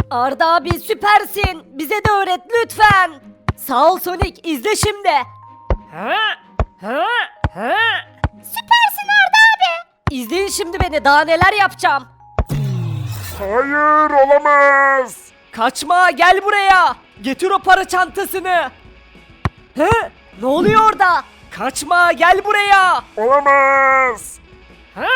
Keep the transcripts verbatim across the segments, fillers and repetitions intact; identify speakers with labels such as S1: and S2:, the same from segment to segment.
S1: Arda abi süpersin. Bize de öğret lütfen. Sağ ol Sonic, izle şimdi.
S2: Ha? Ha? Ha?
S1: Süpersin Arda abi. İzleyin şimdi beni, daha neler yapacağım.
S3: Hayır, olamaz.
S1: Kaçma, gel buraya. Getir o para çantasını. He? Ne oluyor orada? Kaçma, gel buraya.
S3: Olamaz.
S2: Ha?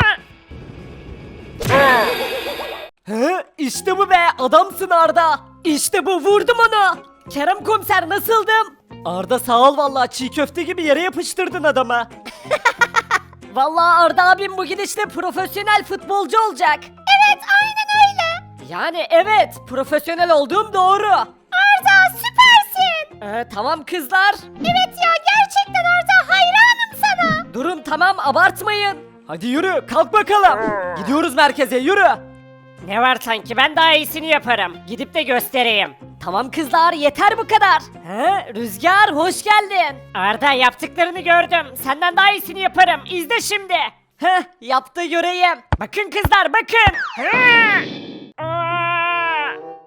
S1: He? İşte bu be, adamsın Arda. İşte bu, vurdum onu. Kerem komiser, nasıldım? Arda sağ ol vallahi, çiğ köfte gibi yere yapıştırdın adamı. Vallahi Arda abim bugün işte profesyonel futbolcu olacak. Evet, aynen öyle. Yani evet, profesyonel olduğum doğru. Arda süpersin. Ee, tamam kızlar. Evet ya, gerçekten Arda, hayranım sana. Durun tamam, abartmayın. Hadi yürü, kalk bakalım. Gidiyoruz merkeze, yürü.
S2: Ne var sanki, ben daha iyisini yaparım. Gidip de göstereyim.
S1: Tamam kızlar, yeter bu kadar. He, Rüzgar hoş geldin.
S2: Arda, yaptıklarını gördüm. Senden daha iyisini yaparım. İzle şimdi.
S1: Heh, yaptı göreyim.
S2: Bakın kızlar, bakın. Ha! Aa!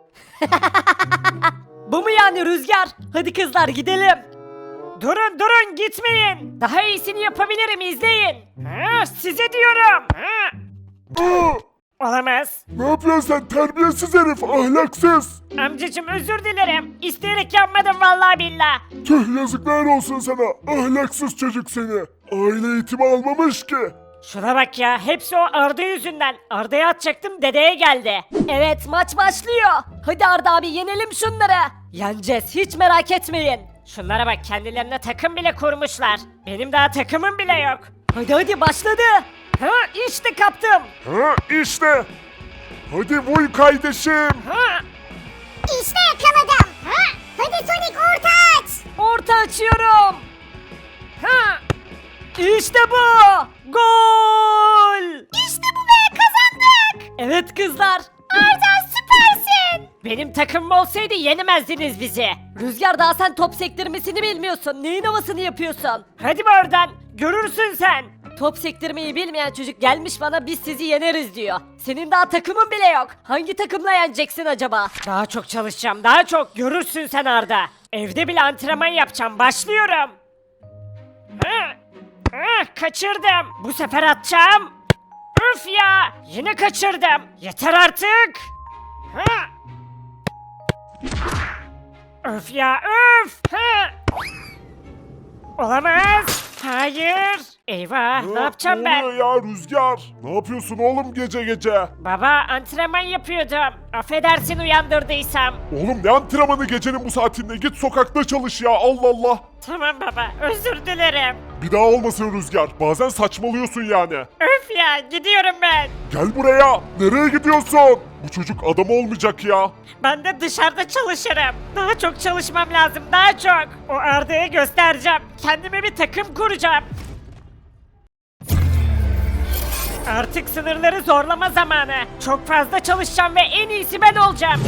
S1: Bu mu yani Rüzgar? Hadi kızlar gidelim.
S2: Durun durun, gitmeyin. Daha iyisini yapabilirim, izleyin. Ha, size diyorum. Ha!
S3: Aa,
S2: Olamaz.
S3: ne yapıyorsun sen terbiyesiz herif, ahlaksız.
S2: Amcacım, özür dilerim. İsteyerek yapmadım vallahi billah.
S3: Tüh, yazıklar olsun sana, ahlaksız çocuk seni. Aile eğitimi almamış ki.
S2: Şuna bak ya, hepsi o Arda yüzünden. Arda'ya atacaktım, dedeye geldi.
S1: Evet, maç başlıyor. Hadi Arda abi, yenelim şunları. Yeneceğiz, hiç merak etmeyin.
S2: Şunlara bak, kendilerine takım bile kurmuşlar. Benim daha takımım bile yok.
S1: Hadi hadi, başladı. Ha, işte kaptım.
S3: Ha işte. Hadi vuy kardeşim.
S2: Ha!
S4: İşte yakaladım. Ha? Hadi Sonic orta aç.
S1: Orta açıyorum.
S2: Ha!
S1: İşte bu. Gol.
S4: İşte bu be, kazandık.
S1: Evet kızlar.
S4: Arda süpersin.
S2: Benim takımım olsaydı yenemezdiniz bizi.
S1: Rüzgar, daha sen top sektirmesini bilmiyorsun. Neyin havasını yapıyorsun?
S2: Hadi be oradan, görürsün sen.
S1: Top sektirmeyi bilmeyen çocuk gelmiş bana biz sizi yeneriz diyor. Senin daha takımın bile yok. Hangi takımla yeneceksin acaba?
S2: Daha çok çalışacağım, daha çok, görürsün sen Arda. Evde bile antrenman yapacağım, başlıyorum. Ha! Ha, kaçırdım. Bu sefer atacağım. Üf ya, yine kaçırdım. Yeter artık. Ha! Öf ya, öf. Ha! Olamaz. Hayır. Eyvah, ne yapacağım
S3: ne
S2: ben?
S3: oluyor ya Rüzgar? Ne yapıyorsun oğlum gece gece?
S2: Baba, antrenman yapıyordum. Affedersin uyandırdıysam.
S3: Oğlum ne antrenmanı gecenin bu saatinde, git sokakta çalış ya, Allah Allah.
S2: Tamam baba, özür dilerim.
S3: Bir daha olmasın Rüzgar, bazen saçmalıyorsun yani.
S2: Öf ya, gidiyorum ben.
S3: Gel buraya, nereye gidiyorsun? Bu çocuk adam olmayacak ya.
S2: Ben de dışarıda çalışırım. Daha çok çalışmam lazım, daha çok. O Arda'ya göstereceğim. Kendime bir takım kuracağım. Artık sınırları zorlama zamanı. Çok fazla çalışacağım ve en iyisi ben olacağım.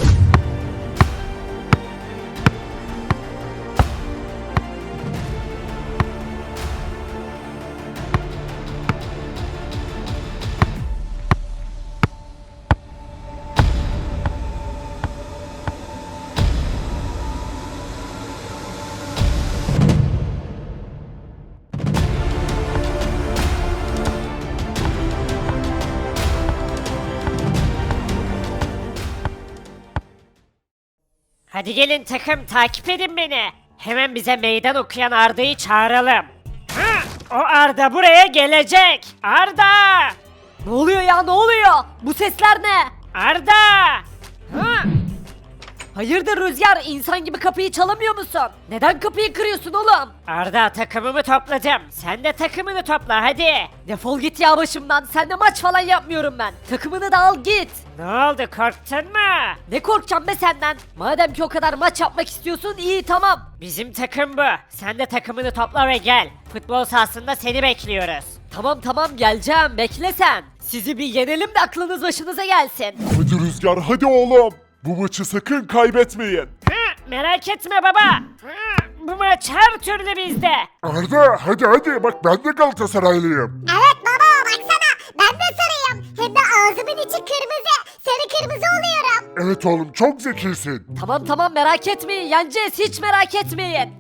S2: Hadi gelin takım, takip edin beni. Hemen bize meydan okuyan Arda'yı çağıralım. Hı, o Arda buraya gelecek. Arda!
S1: Ne oluyor ya, ne oluyor? Bu sesler ne?
S2: Arda! Hı,
S1: Hayırdır Rüzgar, insan gibi kapıyı çalamıyor musun? Neden kapıyı kırıyorsun oğlum?
S2: Arda, takımımı topladım. Sen de takımını topla hadi.
S1: Defol git ya başımdan, seninle maç falan yapmıyorum ben. Takımını da al git.
S2: Ne oldu, korktun mu?
S1: Ne korkacağım be senden? Madem ki o kadar maç yapmak istiyorsun, iyi tamam.
S2: Bizim takım bu. Sen de takımını topla ve gel. Futbol sahasında seni bekliyoruz.
S1: Tamam tamam, geleceğim, bekle sen. Sizi bir yenelim de aklınız başınıza gelsin.
S3: Hadi Rüzgar, hadi oğlum. Bu maçı sakın kaybetmeyin.
S2: Hı, merak etme baba. Hı, bu maç her türlü bizde.
S3: Arda, hadi hadi, bak ben de Galatasaraylıyım.
S4: Evet baba, baksana ben de sarıyım. Hem de ağzımın içi kırmızı. sarı kırmızı oluyorum.
S3: Evet oğlum çok zekisin.
S1: Tamam tamam merak etmeyin yeneceğiz hiç merak etmeyin.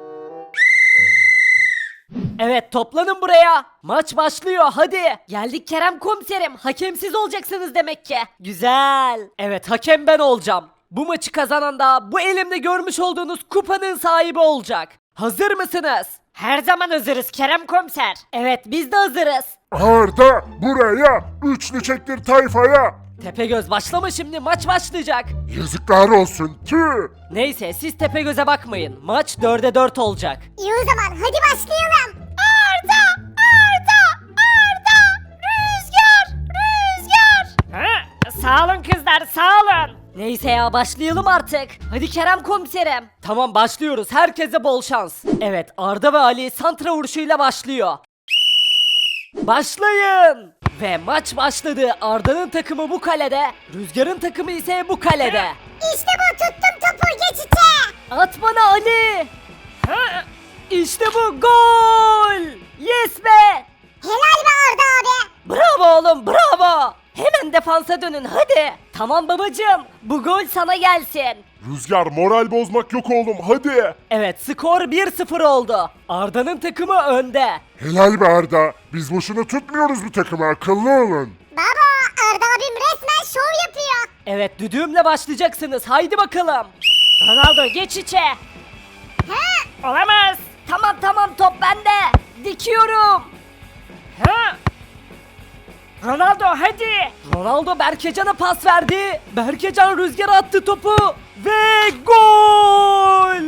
S1: Evet toplanın buraya. Maç başlıyor hadi. Geldik Kerem komiserim. Hakemsiz olacaksınız demek ki. Güzel. Evet hakem ben olacağım. Bu maçı kazanan da bu elimde görmüş olduğunuz kupanın sahibi olacak. Hazır mısınız?
S2: Her zaman hazırız Kerem komiser.
S1: Evet biz de hazırız.
S3: Arda buraya, üçlü çektir tayfaya.
S1: Tepegöz başlama şimdi maç başlayacak.
S3: Yazıklar olsun tüh.
S1: Neyse siz Tepegöz'e bakmayın. Maç dörde dört olacak.
S4: İyi o zaman hadi başlayalım. Arda! Arda! Arda! Rüzgar! Rüzgar!
S2: Ha? Sağ olun kızlar sağ olun.
S1: Neyse ya başlayalım artık. Hadi Kerem komiserim. Tamam başlıyoruz. Herkese bol şans. Evet Arda ve Ali santra vuruşuyla başlıyor. Başlayın. Ve maç başladı. Arda'nın takımı bu kalede. Rüzgar'ın takımı ise bu kalede.
S4: İşte bu tuttum topu geç içe.
S1: At bana Ali.
S2: Ha?
S1: İşte bu gol. Yes be.
S4: Helal be Arda abi.
S1: Bravo oğlum bravo. Hemen defansa dönün hadi. Tamam babacığım. Bu gol sana gelsin.
S3: Rüzgar moral bozmak yok oğlum hadi.
S1: Evet skor bir sıfır oldu. Arda'nın takımı önde.
S3: Helal be Arda. Biz boşuna tutmuyoruz bu takımı, akıllı olun.
S4: Baba Arda abim resmen şov yapıyor.
S1: Evet düdüğümle başlayacaksınız. Haydi bakalım.
S2: Ronaldo geç içe.
S4: Ha?
S2: Olamaz.
S1: Tamam tamam top bende. Dikiyorum.
S2: Ha? Ronaldo hadi.
S1: Ronaldo Berkecan'a pas verdi. Berkecan rüzgara attı topu. Ve gol.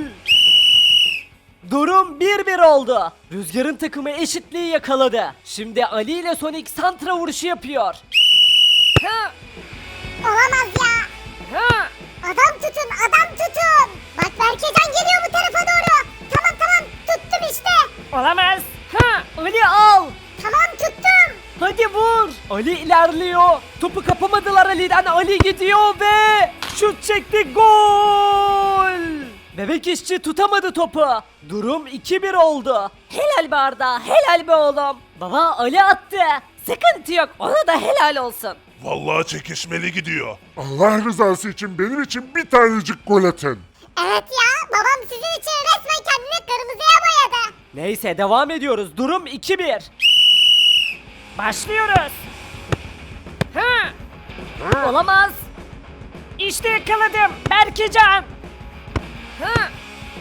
S1: Durum bir bir oldu. Rüzgar'ın takımı eşitliği yakaladı. Şimdi Ali ile Sonic santra vuruşu yapıyor.
S2: Ha?
S4: Olamaz ya.
S2: Ha?
S4: Adam tutun adam tutun. Bak Berkecan geliyor bu tarafa doğru. Tamam tamam tuttum işte.
S2: Olamaz. Ha?
S1: Ali al.
S4: Tamam tuttum.
S1: Hadi vur. Ali ilerliyor. Topu kapamadılar Ali'den. Ali gidiyor ve şut çekti. Gol. Bebek işçi tutamadı topu. Durum iki bir oldu. Helal be Arda. Helal be oğlum. Baba Ali attı. Sıkıntı yok. Ona da helal olsun.
S3: Vallahi çekişmeli gidiyor. Allah rızası için benim için bir tanecik gol atın.
S4: Evet ya babam sizin için resmen kendini kırmızıya boyadı.
S1: Neyse devam ediyoruz. Durum iki bir.
S2: Başlıyoruz. Ha?
S1: Olamaz.
S2: İşte yakaladım. Berkecan. Ha?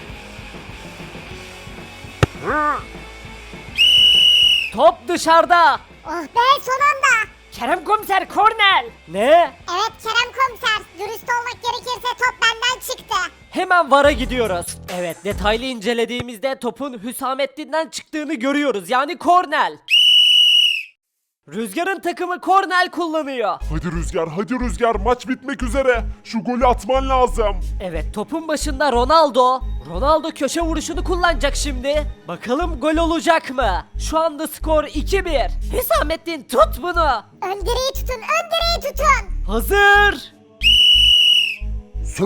S1: Top dışarıda.
S4: Oh be son anda.
S2: Kerem komiser korner.
S1: Ne?
S4: Evet Kerem komiser dürüst olmak gerekirse top benden çıktı.
S1: Hemen VAR'a gidiyoruz. Evet detaylı incelediğimizde topun Hüsamettin'den çıktığını görüyoruz. Yani kornel. Rüzgar'ın takımı kornel kullanıyor.
S3: Hadi Rüzgar, hadi Rüzgar, maç bitmek üzere. Şu golü atman lazım.
S1: Evet topun başında Ronaldo. Ronaldo köşe vuruşunu kullanacak şimdi. Bakalım gol olacak mı? Şu anda skor iki bir. Hüsamettin tut bunu.
S4: Ön direği tutun ön direği tutun.
S1: Hazır.
S3: Sü.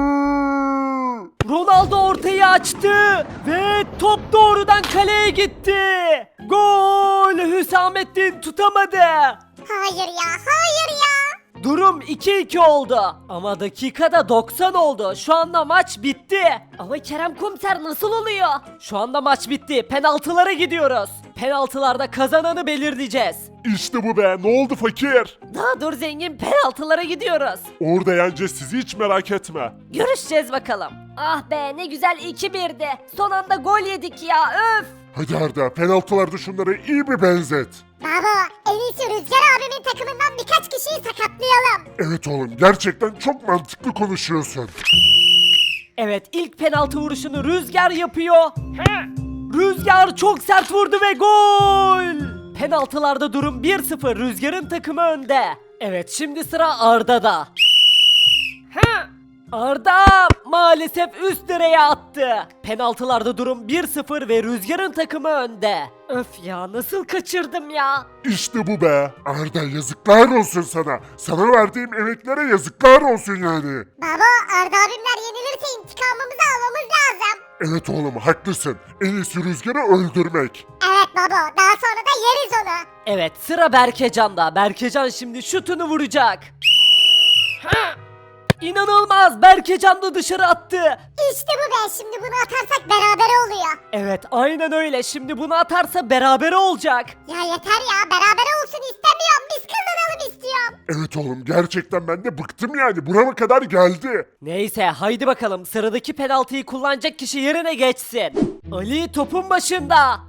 S1: Ronaldo ortayı açtı ve top doğrudan kaleye gitti. Gol! Hüsamettin tutamadı.
S4: Hayır ya hayır ya.
S1: Durum iki iki oldu. Ama dakikada doksan oldu. Şu anda maç bitti. Ama Kerem Komiser nasıl oluyor? Şu anda maç bitti. Penaltılara gidiyoruz. Penaltılarda kazananı belirleyeceğiz.
S3: İşte bu be, ne oldu fakir?
S1: Daha dur zengin penaltılara gidiyoruz.
S3: Orada yeneceğiz sizi, hiç merak etme.
S1: Görüşeceğiz bakalım. Ah be ne güzel iki birdi. Son anda gol yedik ya öf.
S3: Hadi Arda, penaltılarda şunları iyi bir benzet.
S4: Baba en iyisi Rüzgar abimin takımından birkaç kişiyi sakatlayalım.
S3: Evet oğlum, gerçekten çok mantıklı konuşuyorsun.
S1: Evet ilk penaltı vuruşunu Rüzgar yapıyor.
S2: Ha?
S1: Rüzgar çok sert vurdu ve gol! Penaltılarda durum bir sıfır. Rüzgar'ın takımı önde. Evet şimdi sıra Arda'da.
S2: Ha?
S1: Arda maalesef üst direğe attı. Penaltılarda durum bir sıfır ve Rüzgar'ın takımı önde. Öf ya nasıl kaçırdım ya.
S3: İşte bu be. Arda yazıklar olsun sana. Sana verdiğim emeklere yazıklar olsun yani.
S4: Baba Arda abimler yenilirse intikamımızı almamız lazım.
S3: Evet oğlum haklısın. En iyisi Rüzgar'ı öldürmek.
S4: Evet baba daha sonra da yeriz onu.
S1: Evet sıra Berkecan'da. Berkecan şimdi şutunu vuracak. İnanılmaz, Berkecan da dışarı attı.
S4: İşte bu be, şimdi bunu atarsak beraber oluyor.
S1: Evet, aynen öyle. Şimdi bunu atarsa berabere olacak.
S4: Ya yeter ya, beraber olsun istemiyorum. Biz kazanalım istiyorum.
S3: Evet oğlum, gerçekten ben de bıktım yani. Burama kadar geldi.
S1: Neyse, haydi bakalım, sıradaki penaltıyı kullanacak kişi yerine geçsin. Ali topun başında.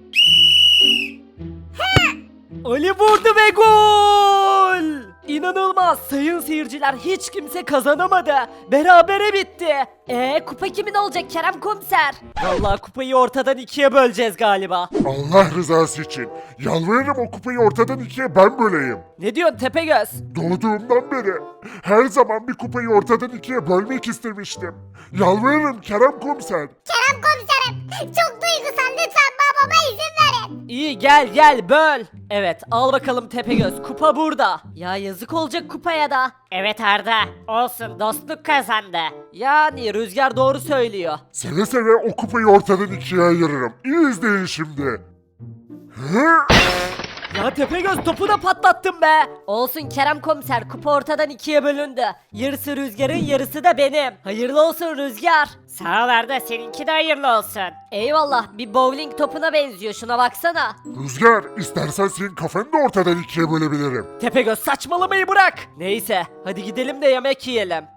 S1: Ali vurdu ve gol! İnanılmaz, sayın seyirciler, hiç kimse kazanamadı. Berabere bitti. Ee, kupa kimin olacak Kerem Komiser? Vallahi kupayı ortadan ikiye böleceğiz galiba.
S3: Allah rızası için. Yalvarırım, o kupayı ortadan ikiye ben böleyim.
S1: Ne diyorsun Tepegöz?
S3: Doğduğumdan beri her zaman bir kupayı ortadan ikiye bölmek istemiştim. Yalvarırım Kerem Komiser.
S4: Kerem komiserim, çok duygusal, lütfen babama izin verin.
S1: İyi, gel gel böl. Evet, al bakalım Tepegöz, kupa burada. Ya yazık olacak kupaya da.
S2: Evet Arda, olsun dostluk kazandı.
S1: Yani Rüzgar doğru söylüyor.
S3: Seve seve o kupayı ortadan ikiye ayırırım. İyi izleyin şimdi. Hı?
S1: Ya Tepegöz, topu da patlattın be. Olsun Kerem Komiser, kupa ortadan ikiye bölündü. Yarısı Rüzgar'ın, yarısı da benim. Hayırlı olsun Rüzgar.
S2: Sağ ol Arda, seninki de hayırlı olsun.
S1: Eyvallah, bir bowling topuna benziyor, şuna baksana.
S3: Rüzgar, istersen senin kafanı da ortadan ikiye bölebilirim.
S1: Tepegöz, saçmalamayı bırak. Neyse, hadi gidelim de yemek yiyelim.